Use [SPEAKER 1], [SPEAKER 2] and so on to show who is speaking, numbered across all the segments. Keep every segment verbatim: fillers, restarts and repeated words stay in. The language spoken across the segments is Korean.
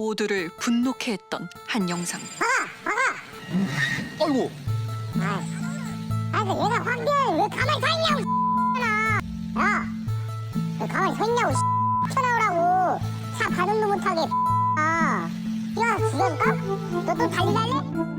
[SPEAKER 1] 모두를 분노케 했던 한 영상.
[SPEAKER 2] 아이고.
[SPEAKER 3] 아, 아, 그 얘가 황비를 왜 가만히 서 있냐고, 야, 왜 가만히 서 있냐고, 튀어나오라고. 차 가동도 못하게, 아, 야, 죽여줄까? 너 또 달리달래?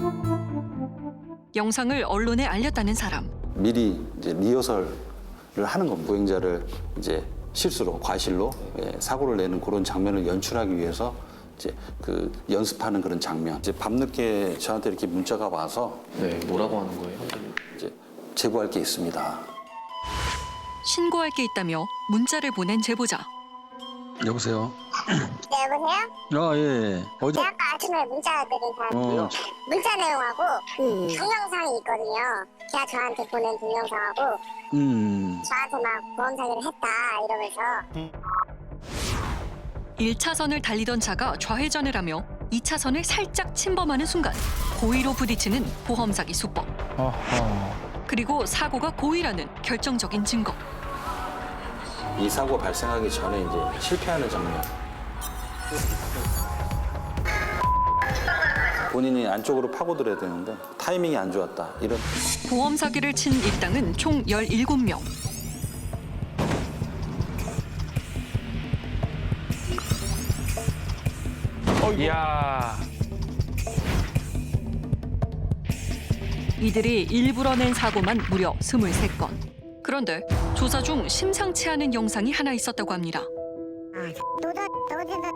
[SPEAKER 1] 영상을 언론에 알렸다는 사람.
[SPEAKER 4] 미리 이제 리허설을 하는 겁니다. 보행자를 이제 실수로, 과실로 예, 사고를 내는 그런 장면을 연출하기 위해서 이제 그 연습하는 그런 장면. 이제 밤늦게 저한테 이렇게 문자가 와서
[SPEAKER 2] 네, 뭐라고 하는 거예요?
[SPEAKER 4] 이제 제보할 게 있습니다.
[SPEAKER 1] 신고할 게 있다며 문자를 보낸 제보자.
[SPEAKER 5] 여보세요?
[SPEAKER 3] 네, 여보세요?
[SPEAKER 5] 아, 예. 어제,
[SPEAKER 3] 제가 아까 아침에 문자 드린 사람이요.
[SPEAKER 5] 어.
[SPEAKER 3] 문자 내용하고 그 동영상이 있거든요. 걔가 저한테 보낸 동영상하고
[SPEAKER 5] 음,
[SPEAKER 3] 저한테 막 보험 사기를 했다 이러면서
[SPEAKER 1] 일 차선을 달리던 차가 좌회전을 하며 이 차선을 살짝 침범하는 순간 고의로 부딪히는 보험 사기 수법.
[SPEAKER 5] 아하.
[SPEAKER 1] 그리고 사고가 고의라는 결정적인 증거.
[SPEAKER 4] 이 사고 발생하기 전에 이제 실패하는 장면. 본인이 안쪽으로 파고들어야 되는데 타이밍이 안 좋았다. 이런
[SPEAKER 1] 보험 사기를 친 일당은 총 열일곱 명.
[SPEAKER 2] 이야.
[SPEAKER 1] 이들이 일부러 낸 사고만 무려 스물세 건. 그런데 조사 중 심상치 않은 영상이 하나 있었다고 합니다.
[SPEAKER 3] 노다 노다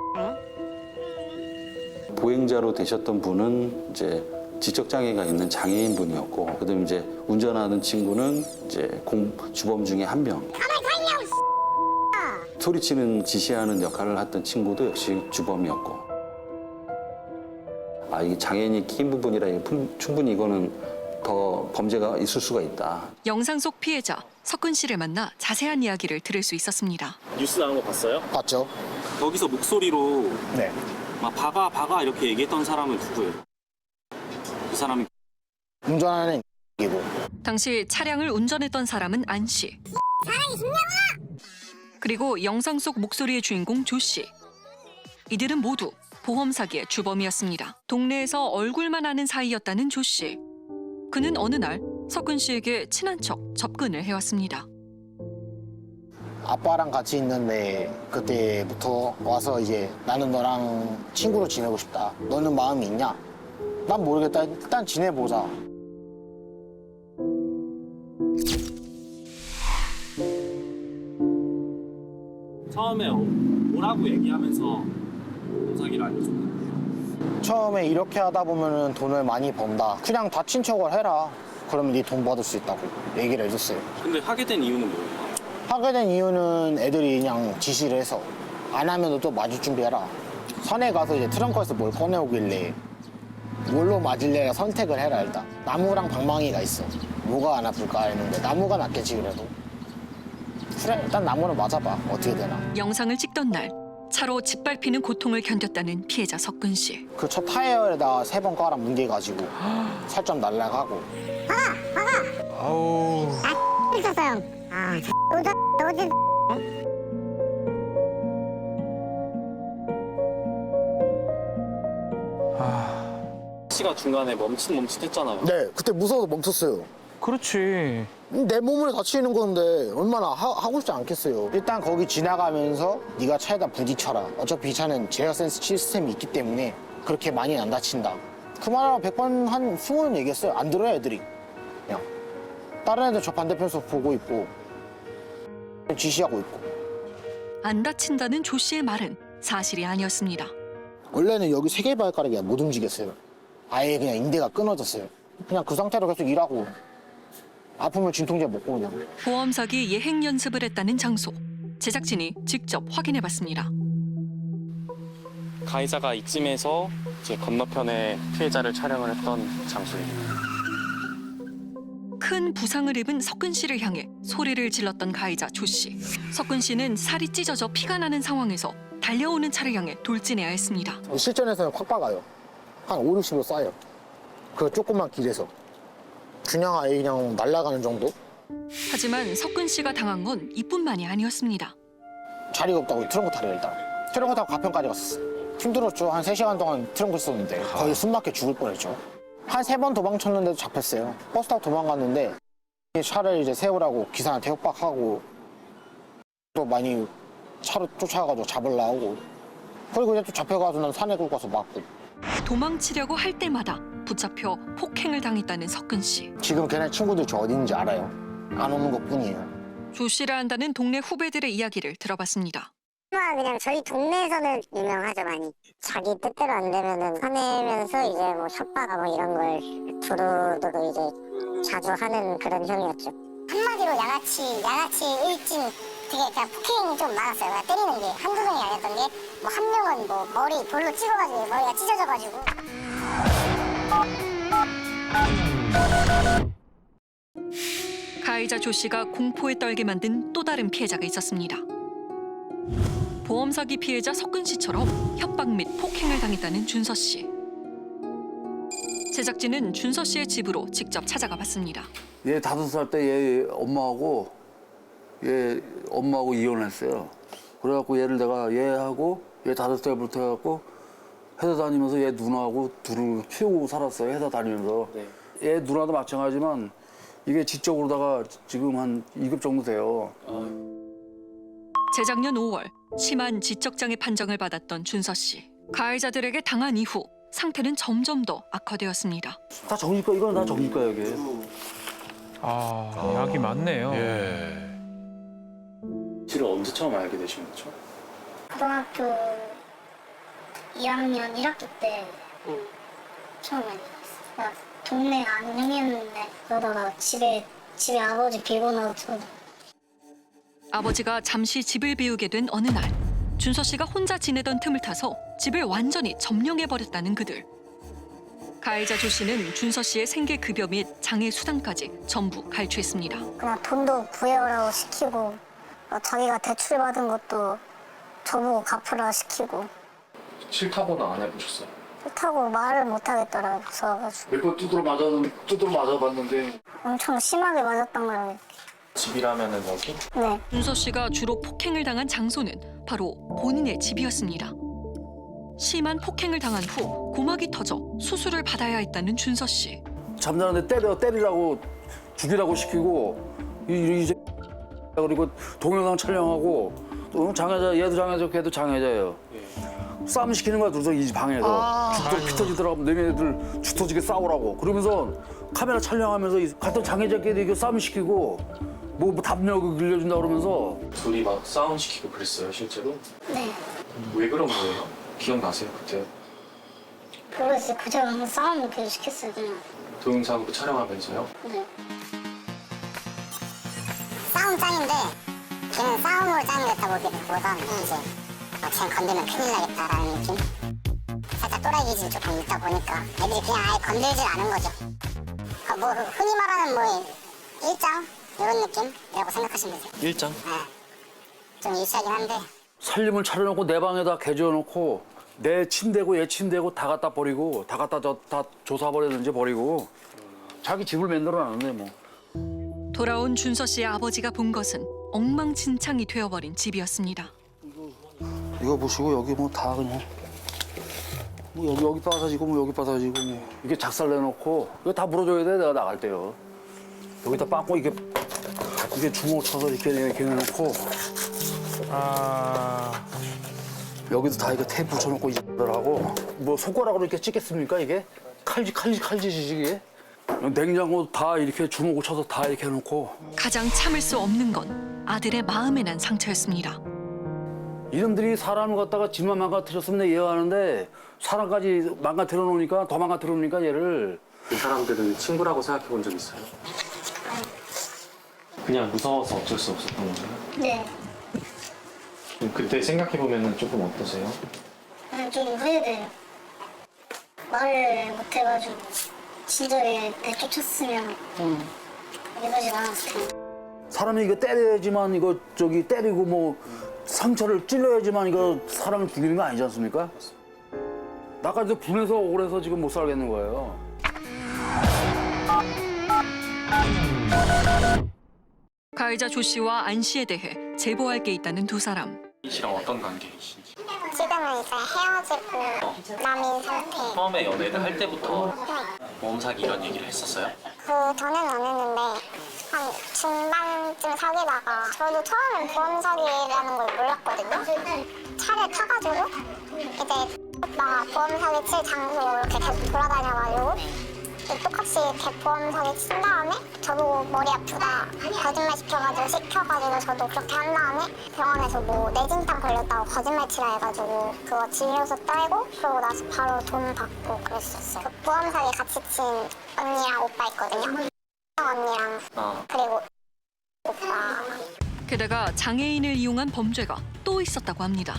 [SPEAKER 4] 보행자로 되셨던 분은 이제 지적 장애가 있는 장애인 분이었고, 그다음에 이제 운전하는 친구는 이제 공, 주범 중에 한 명.
[SPEAKER 3] 가만히 서 있냐고.
[SPEAKER 4] 소리치는 지시하는 역할을 했던 친구도 역시 주범이었고. 아, 이게 장애인이 낀 부분이라 이게 품- 충분히 이거는 더 범죄가 있을 수가 있다.
[SPEAKER 1] 영상 속 피해자 석근 씨를 만나 자세한 이야기를 들을 수 있었습니다.
[SPEAKER 6] 뉴스 나온 거 봤어요?
[SPEAKER 7] 봤죠?
[SPEAKER 6] 거기서 목소리로
[SPEAKER 7] 네.
[SPEAKER 6] 막 박아 박아 이렇게 얘기했던 사람은 누구예요? 그 사람이
[SPEAKER 7] 운전하는 이고
[SPEAKER 1] 당시 차량을 운전했던 사람은 안 씨. 그리고 영상 속 목소리의 주인공 조 씨. 이들은 모두 보험 사기의 주범이었습니다. 동네에서 얼굴만 아는 사이였다는 조 씨. 그는 어느 날 석근 씨에게 친한 척 접근을 해왔습니다.
[SPEAKER 7] 아빠랑 같이 있는데 그때부터 와서 이제 나는 너랑 친구로 지내고 싶다. 너는 마음이 있냐? 난 모르겠다. 일단 지내보자.
[SPEAKER 6] 처음에 뭐라고 얘기하면서 보험사기를 알려줬나요?
[SPEAKER 7] 처음에 이렇게 하다 보면은 돈을 많이 번다. 그냥 다친 척을 해라. 그러면 네 돈 받을 수 있다고 얘기를 해줬어요.
[SPEAKER 6] 근데 하게 된 이유는 뭐예요?
[SPEAKER 7] 하게 된 이유는 애들이 그냥 지시를 해서 안 하면 또 맞을 준비해라. 산에 가서 이제 트렁크에서 뭘 꺼내오길래 뭘로 맞을래가 선택을 해라 일단. 나무랑 방망이가 있어. 뭐가 안 아플까 했는데 나무가 낫겠지 그래도. 그래 일단 나무를 맞아봐. 어떻게 되나.
[SPEAKER 1] 영상을 찍던 날 차로 짓밟히는 고통을 견뎠다는 피해자 석근 씨.
[SPEAKER 7] 그 첫 타이어에다 세 번 깔아 뭉개가지고 살점 날라가고.
[SPEAKER 2] 아우.
[SPEAKER 3] 있었어요. 아, 노다 노다.
[SPEAKER 6] 씨가 중간에 멈칫 멈칫했잖아요.
[SPEAKER 7] 네 그때 무서워서 멈췄어요.
[SPEAKER 2] 그렇지.
[SPEAKER 7] 내 몸을 다치는 건데 얼마나 하, 하고 싶지 않겠어요. 일단 거기 지나가면서 네가 차에다 부딪혀라. 어차피 이 차는 제어 센스 시스템이 있기 때문에 그렇게 많이 안 다친다. 그 말을 백 번 한 스무 번 얘기했어요. 안 들어요 애들이. 그냥 다른 애들 저 반대편에서 보고 있고 지시하고 있고.
[SPEAKER 1] 안 다친다는 조 씨의 말은 사실이 아니었습니다.
[SPEAKER 7] 원래는 여기 세 개 발가락이 못 움직였어요. 아예 그냥 인대가 끊어졌어요. 그냥 그 상태로 계속 일하고 아프면 진통제 먹고 그냥.
[SPEAKER 1] 보험 사기 예행 연습을 했다는 장소. 제작진이 직접 확인해봤습니다.
[SPEAKER 6] 가해자가 이쯤에서 이제 건너편에 피해자를 촬영을 했던 장소입니다.
[SPEAKER 1] 큰 부상을 입은 석근 씨를 향해 소리를 질렀던 가해자 조 씨. 석근 씨는 살이 찢어져 피가 나는 상황에서 달려오는 차를 향해 돌진해야 했습니다.
[SPEAKER 7] 실전에서는 확 박아요. 한 오, 육십으로 쏴요. 그 조그만 길에서. 그냥 아예 그냥 날아가는 정도?
[SPEAKER 1] 하지만 석근 씨가 당한 건 이뿐만이 아니었습니다.
[SPEAKER 7] 자리가 없다고 트렁크 타래요 일단. 트렁크 타고 가평까지 갔었어. 힘들었죠. 한 세 시간 동안 트렁크 썼는데 거의 숨 막혀 죽을 뻔했죠. 한 세 번 도망쳤는데도 잡혔어요. 버스 타고 도망갔는데 차를 이제 세우라고 기사한테 협박하고 또 많이 차로 쫓아가가지고 잡으려고 하고 그리고 이제 또 잡혀가지고 난 산에 굴 가서 맞고.
[SPEAKER 1] 도망치려고 할 때마다 붙잡혀 폭행을 당했다는 석근 씨.
[SPEAKER 7] 지금 걔네 친구들 저 어디 있는지 알아요. 안 오는 것뿐이에요.
[SPEAKER 1] 조 씨라 한다는 동네 후배들의 이야기를 들어봤습니다.
[SPEAKER 3] 그냥 저희 동네에서는 유명하죠 많이. 자기 뜻대로 안 되면은 화내면서 이제 뭐 협박하고 이런 걸 두루두루 이제 자주 하는 그런 형이었죠. 한마디로 양아치, 양아치 일진 되게 그냥 폭행이 좀 많았어요. 그냥 때리는 게 한두 명이 아니었던 게 뭐 한 명은 뭐 머리 볼로 찍어가지고 머리가 찢어져가지고.
[SPEAKER 1] 가해자 조 씨가 공포에 떨게 만든 또 다른 피해자가 있었습니다. 보험 사기 피해자 석근 씨처럼 협박 및 폭행을 당했다는 준서 씨. 제작진은 준서 씨의 집으로 직접 찾아가 봤습니다.
[SPEAKER 5] 얘 다섯 살 때 얘 엄마하고 얘 엄마하고 이혼했어요. 그래갖고 얘를 내가 얘하고 얘 다섯 살부터 해갖고 회사 다니면서 얘 누나하고 둘을 키우고 살았어요. 회사 다니면서.
[SPEAKER 2] 네.
[SPEAKER 5] 얘 누나도 마찬가지지만 이게 지적으로다가 지금 한 이 급 정도 돼요.
[SPEAKER 1] 재작년 오월 심한 지적장애 판정을 받았던 준서 씨. 가해자들에게 당한 이후 상태는 점점 더 악화되었습니다.
[SPEAKER 5] 다 정신과 이건 다 정신과 여기.
[SPEAKER 2] 아, 약이 많네요.
[SPEAKER 6] 실을 언제 처음 알게 되신 거죠?
[SPEAKER 3] 고등학교 이 학년 일 학기 때 처음 알게 됐어요. 동네 안녕이었는데 그러다가 집에 집에 아버지 빌고 나서
[SPEAKER 1] 아버지가 잠시 집을 비우게 된 어느 날 준서 씨가 혼자 지내던 틈을 타서 집을 완전히 점령해버렸다는 그들. 가해자 조 씨는 준서 씨의 생계급여 및 장애 수당까지 전부 갈취했습니다.
[SPEAKER 3] 그냥 돈도 구해오라고 시키고 어, 자기가 대출 받은 것도 저보고 갚으라 시키고
[SPEAKER 6] 싫다고는 안 해보셨어요?
[SPEAKER 3] 싫다고 말을 못 하겠더라고요. 무서워가지고
[SPEAKER 5] 몇 번 두드러 맞아 두드러 맞아봤는데
[SPEAKER 3] 엄청 심하게 맞았던 거예요.
[SPEAKER 6] 집이라면은 여기?
[SPEAKER 3] 네.
[SPEAKER 1] 준서 씨가 주로 폭행을 당한 장소는 바로 본인의 집이었습니다. 심한 폭행을 당한 후 고막이 터져 수술을 받아야 했다는 준서 씨.
[SPEAKER 5] 잠자는데 때려 때리라고 죽이라고 시키고 이 이제 그리고 동영상 촬영하고 또 장애자 얘도 장애자 걔도 장애자예요. 싸움 시키는 거야 둘이서 이 방에서 죽도 피 터지더라고 너네들 죽 터지게 싸우라고 그러면서 카메라 촬영하면서 이 같은 장애자끼리 이렇게 싸움 시키고 뭐, 뭐 담력을 길려준다 그러면서
[SPEAKER 6] 둘이 막 싸움 시키고 그랬어요 실제로?
[SPEAKER 3] 네.
[SPEAKER 6] 왜 그런 거예요? 기억나세요 그때?
[SPEAKER 3] 모르겠어요. 그저 한번 싸움을 계속 시켰어요. 그냥.
[SPEAKER 6] 동영상으로 촬영하면서요?
[SPEAKER 3] 네. 싸움 짱인데 걔는 싸움으로 짱이 됐다보다는 이제 어, 쟤 건들면 큰일 나겠다라는 느낌? 살짝 또라이 기질이 조금 있다 보니까 애들이 그냥 아예 건들질 않은 거죠. 어, 뭐 흔히 말하는 뭐 일장 이런 느낌이라고 생각하시면 되세요.
[SPEAKER 6] 일장?
[SPEAKER 3] 네. 좀 유치하긴 한데
[SPEAKER 5] 살림을 차려놓고 내 방에다 개조해놓고 내 침대고 얘 침대고 다 갖다 버리고 다 갖다 저, 다 조사버리든지 버리고 자기 집을 만들어놨는데 뭐.
[SPEAKER 1] 돌아온 준서 씨의 아버지가 본 것은 엉망진창이 되어버린 집이었습니다.
[SPEAKER 5] 이거 보시고 여기 뭐 다 그냥 뭐 여기 여기 빠사지고 뭐 여기 빠사지고 뭐 이게 작살 내놓고 이거 다 물어줘야 돼 내가 나갈 때요. 여기다 빵꾸 이게 이게 주먹 쳐서 이렇게 이렇게 해놓고
[SPEAKER 2] 아,
[SPEAKER 5] 여기도 다 이거 테이프 붙여놓고 이들하고 뭐 손가락으로 이렇게 찍겠습니까 이게 칼질 칼질 칼질이지 이게 냉장고 다 이렇게 주먹을 쳐서 다 이렇게 해놓고
[SPEAKER 1] 가장 참을 수 없는 건 아들의 마음에 난 상처였습니다.
[SPEAKER 5] 이놈들이 사람을 갖다가 집만 망가뜨렸으면 내가 이해하는데 사람까지 망가뜨려 놓으니까 더 망가뜨려 놓으니까 얘를
[SPEAKER 6] 그 사람들은 친구라고 생각해 본 적 있어요? 그냥 무서워서 어쩔 수 없었던 거예요?
[SPEAKER 3] 네.
[SPEAKER 6] 그럼 그때 생각해 보면 조금 어떠세요?
[SPEAKER 3] 그냥 좀 후회돼요. 말을 못 해가지고 친절히 내쫓았으면 이러지 않았을 텐데.
[SPEAKER 5] 사람이 이거 때려야지만 이거 저기 때리고 뭐 상처를 찔러야지만 이거 사람을 죽이는 거 아니지 않습니까? 나까지 분해서 억울해서 지금 못 살겠는 거예요.
[SPEAKER 1] 가해자 조 씨와 안 씨에 대해 제보할 게 있다는 두 사람.
[SPEAKER 6] 이 씨랑 어떤 관계이신지?
[SPEAKER 3] 제가 때는 이제 헤어지고 남인 상태.
[SPEAKER 6] 처음에 연애를 할 때부터
[SPEAKER 3] 네.
[SPEAKER 6] 보험 사기 이런 얘기를 했었어요?
[SPEAKER 3] 그 전에는 안 했는데 한 중반쯤 사귀다가 저도 처음엔 보험 사기라는 걸 몰랐거든요. 차를 타가지고 이제 오빠가 보험 사기 칠 장소 이렇게 계속 돌아다녀가지고 똑같이 보험 사기 친 다음에 저보고 머리 아프다 거짓말 시켜가지고 시켜가지고 저도 그렇게 한 다음에 병원에서 뭐 뇌진탕 걸렸다고 거짓말 치라 해가지고 그거 진료서 떼고 그러고 나서 바로 돈 받고 그랬었어요. 그 보험 사기 같이 친 언니랑 오빠 있거든요. 언니랑
[SPEAKER 6] 아.
[SPEAKER 3] 그리고 오빠.
[SPEAKER 1] 게다가 장애인을 이용한 범죄가 또 있었다고 합니다.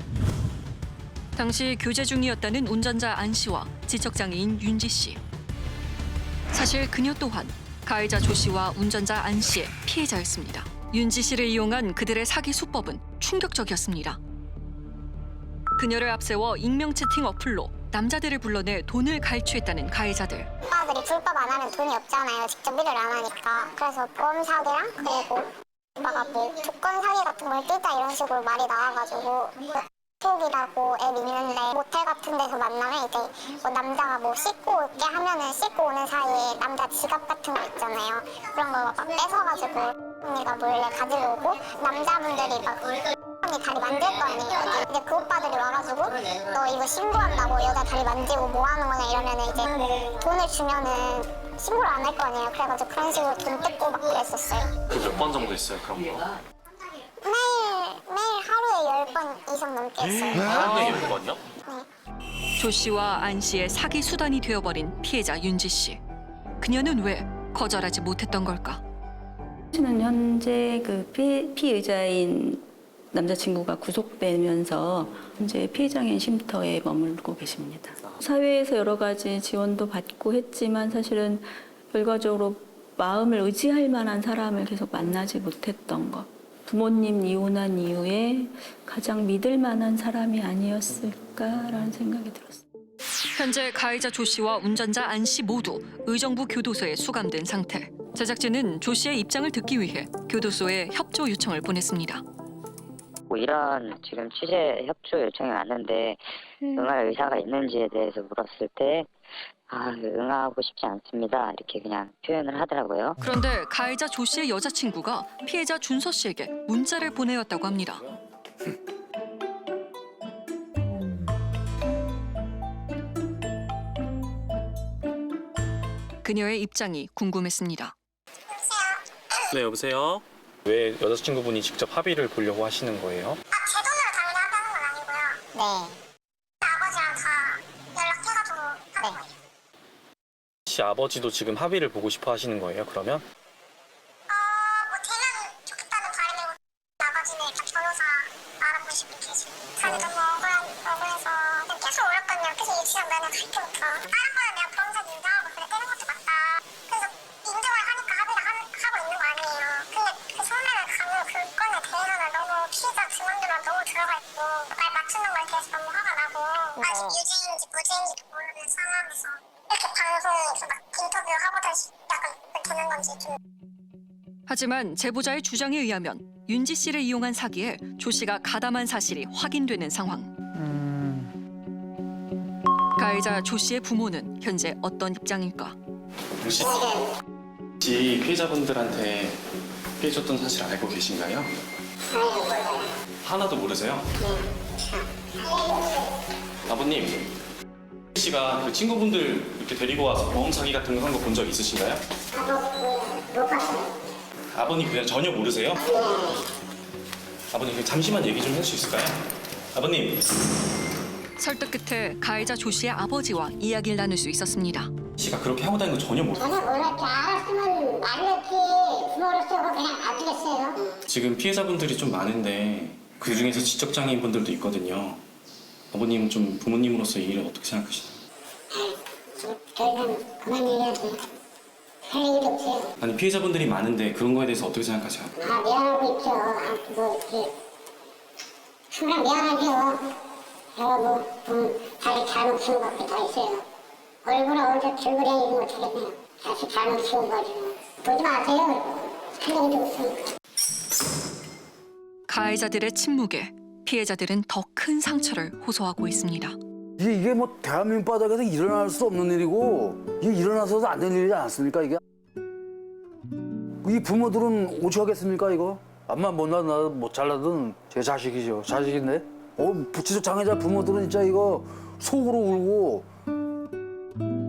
[SPEAKER 1] 당시 교제 중이었다는 운전자 안 씨와 지적장애인 윤지 씨. 사실 그녀 또한 가해자 조 씨와 운전자 안 씨의 피해자였습니다. 윤지 씨를 이용한 그들의 사기 수법은 충격적이었습니다. 그녀를 앞세워 익명 채팅 어플로 남자들을 불러내 돈을 갈취했다는 가해자들.
[SPEAKER 3] 오빠들이 불법 안 하면 돈이 없잖아요. 직접 일을 안 하니까. 그래서 보험 사기랑 그리고 오빠가 뭐 조건 사기 같은 걸 뜨자 이런 식으로 말이 나와가지고 톡이라고 앱 있는데 모텔 같은 데서 만나면 이제 뭐 남자가 뭐 씻고 올게 하면은 씻고 오는 사이에 남자 지갑 같은 거 있잖아요. 그런 거 막 뺏어가지고 언니가 몰래 가지고 오고 남자분들이 막 언니 다리 만질 거 아니에요. 이제 그 오빠들이 와가지고 너 이거 신고한다고 여자 다리 만지고 뭐 하는 거냐 이러면은 이제 돈을 주면은 신고를 안 할 거 아니에요. 그래가지고 그런 식으로 돈 뜯고 막 그랬었어요.
[SPEAKER 6] 그 몇 번 정도 있어요, 그런 거?
[SPEAKER 3] 매일 매일 하루에 열 번 이상 넘게 했어요.
[SPEAKER 6] 하루에 열 번이요?
[SPEAKER 1] 조 씨와 안 씨의 사기 수단이 되어버린 피해자 윤지 씨. 그녀는 왜 거절하지 못했던 걸까?
[SPEAKER 8] 씨는 현재 그 피, 피의자인 남자친구가 구속되면서 현재 피해장애인 쉼터에 머물고 계십니다. 사회에서 여러 가지 지원도 받고 했지만 사실은 결과적으로 마음을 의지할 만한 사람을 계속 만나지 못했던 것. 부모님 이혼한 이후에 가장 믿을 만한 사람이 아니었을까라는 생각이 들었어요.
[SPEAKER 1] 현재 가해자 조 씨와 운전자 안 씨 모두 의정부 교도소에 수감된 상태. 제작진은 조 씨의 입장을 듣기 위해 교도소에 협조 요청을 보냈습니다.
[SPEAKER 9] 뭐 이런 지금 취재 협조 요청이 왔는데 응할 의사가 있는지에 대해서 물었을 때 아, 응하고 싶지 않습니다. 이렇게 그냥 표현을 하더라고요.
[SPEAKER 1] 그런데 가해자 조 씨의 여자친구가 피해자 준서 씨에게 문자를 보내었다고 합니다. 그녀의 입장이 궁금했습니다.
[SPEAKER 6] 네, 여보세요? 왜 여자친구분이 직접 합의를 보려고 하시는 거예요?
[SPEAKER 3] 아, 제 돈으로 당연히 하다는 건 아니고요. 네. 아버지랑 다 연락해가지고 하는 거예요.
[SPEAKER 6] 혹시 아버지도 지금 합의를 보고 싶어 하시는 거예요, 그러면?
[SPEAKER 3] 어, 뭐 되면 좋겠다는 바람이고 아버지는 일단 변호사 알아보시고 계시고 자기 너무 억울한, 억울해서 그냥 계속 울었거든요. 그래서 유치원 면회 갈 때부터 다른 거는 내가 보험사기 인정하고 그래 떼는 것도 맞다. 그래서 인정을 하니까 합의를 하, 하고 있는 거 아니에요. 근데 그 처음에는 가면 그 건에 대해서는 너무 피해자 증언들만 너무 들어가 있고 날 맞추는 거에 대해서 너무 화가 나고 아직 유죄인지 무죄인지도 모르는 상황에서 이렇게 방송에서 막 인터뷰하고든지 약간 되는 건지 좀.
[SPEAKER 1] 하지만 제보자의 주장에 의하면 윤지 씨를 이용한 사기에 조 씨가 가담한 사실이 확인되는 상황. 가해자 조 씨의 부모는 현재 어떤 입장일까?
[SPEAKER 6] 혹시 혹시 피해자분들한테 피해줬던 사실 알고 계신가요? 하나도 모르세요? 아버님, 씨가 그 친구분들 이렇게 데리고 와서 보험 사기 같은 거 한 거 본 적 있으신가요? 아버님 그냥 전혀 모르세요? 아버님 그냥 잠시만 얘기 좀 할 수 있을까요? 아버님.
[SPEAKER 1] 설득 끝에 가해자 조 씨의 아버지와 이야기를 나눌 수 있었습니다.
[SPEAKER 6] 씨가 그렇게 하고 다니는 거 전혀 모르.
[SPEAKER 3] 전혀 몰랐지. 알았으면 알렸지. 부모로서 그냥 봐주겠어요.
[SPEAKER 6] 지금 피해자분들이 좀 많은데 그 중에서 지적장애인 분들도 있거든요. 아버님은 좀 부모님으로서 이 일을 어떻게 생각하시나요?
[SPEAKER 3] 더 이상 그만 얘기하지. 할 얘기도 없어요.
[SPEAKER 6] 아니 피해자분들이 많은데 그런 거에 대해서 어떻게 생각하세요?
[SPEAKER 3] 아, 미안하고 있죠. 아, 뭐, 이렇게. 항상 미안하죠. 제가 뭐, 음, 자식 잘못 키운 것도 다 있어요. 얼굴에 어디서 들그레이지 못하겠네요. 자식 잘못 키워가지고. 보지 마세요. 할 얘기도 없으니까.
[SPEAKER 1] 가해자들의 침묵에 피해자들은 더 큰 상처를 호소하고 있습니다.
[SPEAKER 5] 이게, 이게 뭐 대한민국 바닥에서 일어날 수 없는 일이고 이게 일어나서도 안 되는 일이지 않습니까 이게? 이 부모들은 오죽하겠습니까 이거? 암만 못나 못 잘라든 제 자식이죠. 자식인데. 어, 부치적 장애자 부모들은 진짜 이거 속으로 울고